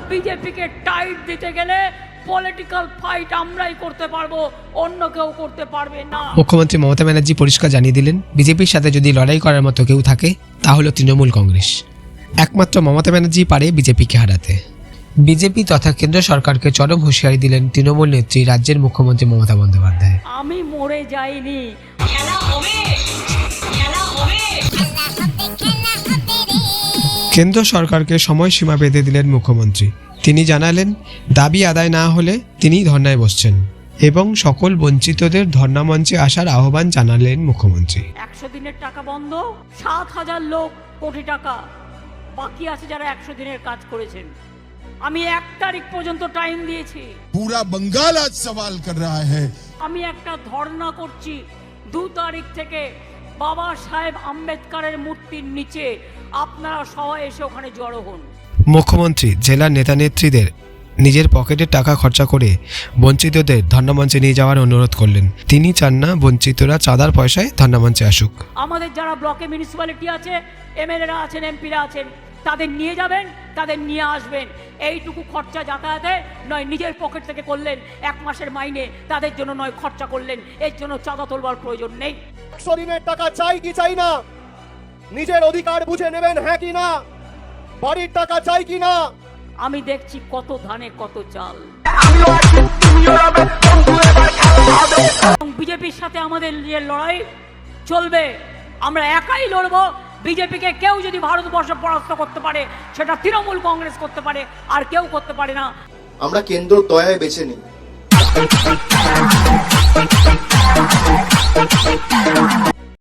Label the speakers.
Speaker 1: বিজেপিকে টাইট দিতে গেলে পলিটিক্যাল ফাইট আমরাই করতে পারবো, অন্য কেউ করতে পারবে না।
Speaker 2: মুখ্যমন্ত্রী মমতা ব্যানার্জি পরিষ্কার জানিয়ে দিলেন, বিজেপির সাথে যদি লড়াই করার মতো কেউ থাকে তা হলো তৃণমূল কংগ্রেস। একমাত্র মমতা ব্যানার্জি পারে বিজেপিকে হারাতে। বিজেপি তথা কেন্দ্র সরকারকে চরম হুঁশিয়ারি দিলেন তৃণমূল নেত্রী রাজ্যের মুখ্যমন্ত্রী মমতা বন্দ্যোপাধ্যায়।
Speaker 1: আমি মরে যাইনি।
Speaker 2: কেন্দ্র সরকারকে সময়সীমা বেঁধে দিলেন মুখ্যমন্ত্রী। তিনি জানালেন, দাবি আদায় না হলে তিনি ধর্নায় বসছেন এবং সকল বঞ্চিতদের ধর্না মঞ্চে আসার আহ্বান জানালেন মুখ্যমন্ত্রী।
Speaker 1: 100 দিনের টাকা বন্ধ, 7,000 লোক কোটি টাকা বাকি আছে যারা 100 দিনের কাজ করেছেন। আমি 1 তারিখ পর্যন্ত টাইম দিয়েছি।
Speaker 3: पूरा बंगाल आज सवाल कर रहा है।
Speaker 1: আমি একটা ধর্না করছি 2 তারিখ থেকে বাবা সাহেব আম্বেদকরের মূর্তির নিচে। আপনারা সবাই এসে ওখানে জড়ো হন।
Speaker 2: মুখ্যমন্ত্রী জেলার নেতা নেত্রীদের নিজের পকেটের টাকা খরচা করে বঞ্চিতদের ধর্নামঞ্চে নিয়ে যাওয়ার অনুরোধ করলেন। তিনি চান না বঞ্চিতরা চাঁদার পয়সায় ধর্নামঞ্চে আসুক।
Speaker 1: আমাদের যারা ব্লকে মিউনিসিপ্যালিটি আছে, এমএলএরা আছেন, এমপিরা আছেন, তাদের নিয়ে যাবেন, তাদের নিয়ে আসবেন। এইটুকু খরচা যাতায়াতে নয় নিজের পকেট থেকে করলেন, 1 মাসের মাইনে তাদের জন্য নয় খরচা করলেন। এর জন্য চাঁদা তোলবার প্রয়োজন নেই।
Speaker 4: 100 দিনের টাকা চাই কি চাই না, নিজের অধিকার বুঝে নেবেন হ্যাঁ কি না, বাড়ির টাকা চাই কি না।
Speaker 1: আমি দেখছি কত ধানে কত চাল। বিজেপির সাথে আমাদের যে লড়াই চলবে, আমরা একাই লড়বো। বিজেপিকে কেউ যদি ভারতবর্ষে পরাস্ত করতে পারে সেটা তৃণমূল কংগ্রেস করতে পারে, আর কেউ করতে পারে না।
Speaker 5: আমরা কেন্দ্র দয়ায় বেছে নিই।